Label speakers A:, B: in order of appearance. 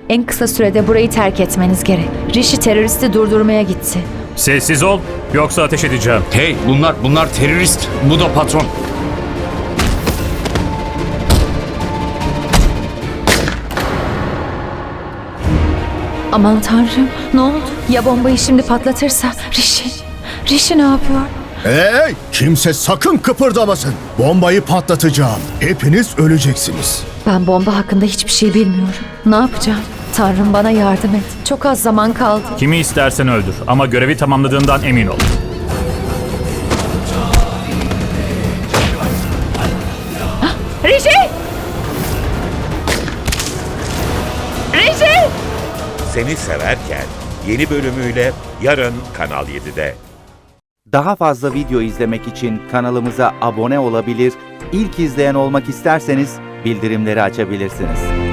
A: En kısa sürede burayı terk etmeniz gerek. Rishi teröristi durdurmaya gitti.
B: Sessiz ol, yoksa ateş edeceğim.
C: Hey, bunlar terörist. Bu da patron.
A: Aman tanrım, ne oldu? Ya bombayı şimdi patlatırsa? Rishi ne yapıyor?
D: Hey! Kimse sakın kıpırdamasın. Bombayı patlatacağım. Hepiniz öleceksiniz.
A: Ben bomba hakkında hiçbir şey bilmiyorum. Ne yapacağım? Tanrım bana yardım et. Çok az zaman kaldı.
B: Kimi istersen öldür ama görevi tamamladığından emin ol.
A: Rishi! Rishi!
E: Seni Severken yeni bölümüyle yarın Kanal 7'de.
F: Daha fazla video izlemek için kanalımıza abone olabilir, ilk izleyen olmak isterseniz bildirimleri açabilirsiniz.